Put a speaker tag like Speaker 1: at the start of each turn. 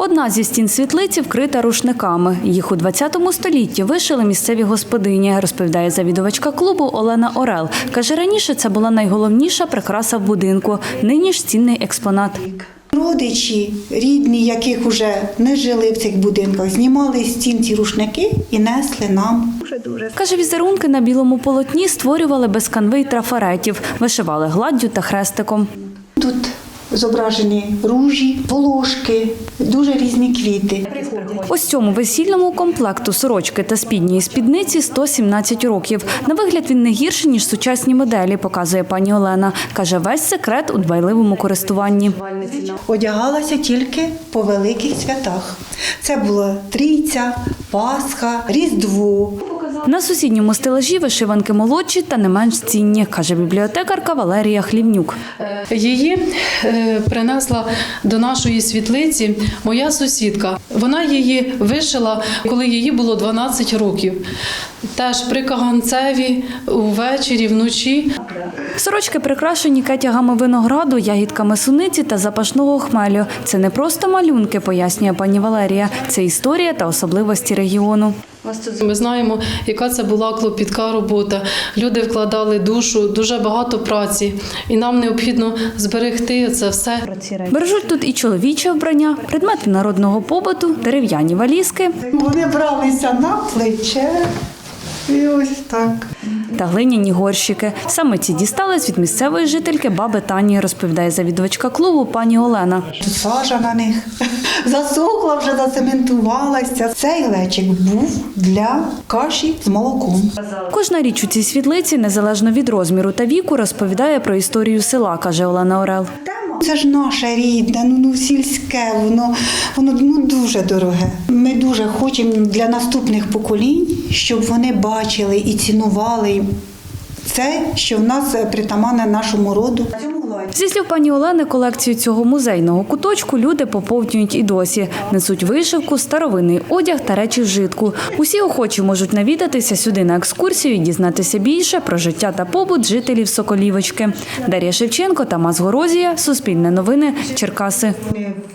Speaker 1: Одна зі стін світлиці вкрита рушниками. Їх у 20 столітті вишили місцеві господині, розповідає завідувачка клубу Олена Орел. Каже, раніше це була найголовніша прикраса в будинку, нині ж цінний експонат.
Speaker 2: Родичі, рідні, яких вже не жили в цих будинках, знімали з стін ці рушники і несли нам.
Speaker 1: Каже, візерунки на білому полотні створювали без канви й трафаретів, вишивали гладдю та хрестиком.
Speaker 2: Тут зображені ружі, волошки, дуже різні квіти.
Speaker 1: Ось цьому весільному комплекту сорочки та спідньої спідниці 117 років. На вигляд він не гірший, ніж сучасні моделі, показує пані Олена. Каже, весь секрет у дбайливому користуванні.
Speaker 2: Одягалася тільки по великих святах. Це була Трійця, Пасха, Різдво.
Speaker 1: На сусідньому стелажі вишиванки молодші та не менш цінні, каже бібліотекарка Валерія Хлівнюк.
Speaker 3: Її принесла до нашої світлиці моя сусідка. Вона її вишила, коли їй було 12 років. Теж при каганцеві, увечері, вночі.
Speaker 1: Сорочки прикрашені кетягами винограду, ягідками суниці та запашного хмелю. Це не просто малюнки, пояснює пані Валерія. Це історія та особливості регіону.
Speaker 3: Ми знаємо, яка це була клопітка робота. Люди вкладали душу, дуже багато праці. І нам необхідно зберегти це все.
Speaker 1: Бережуть тут і чоловіче вбрання, предмети народного побуту, дерев'яні валізки
Speaker 2: Вони бралися на плече і ось так.
Speaker 1: та глиняні горщики. Саме ці дістались від місцевої жительки баби Тані, розповідає завідувачка клубу пані Олена.
Speaker 2: Тут сажа на них засохла, вже зацементувалася. Цей глечик був для каші з молоком.
Speaker 1: Кожна річ у цій світлиці, незалежно від розміру та віку, розповідає про історію села, каже Олена Орел.
Speaker 2: Це ж наше рідне, сільське, воно дуже дороге. Ми дуже хочемо для наступних поколінь, щоб вони бачили і цінували це, що в нас притаманне нашому роду.
Speaker 1: Зі слів пані Олени, колекцію цього музейного куточку люди поповнюють і досі. Несуть вишивку, старовинний одяг та речі вжитку. Усі охочі можуть навідатися сюди на екскурсію і дізнатися більше про життя та побут жителів Соколівочки. Дар'я Шевченко, Тамас Горозія, Суспільне новини, Черкаси.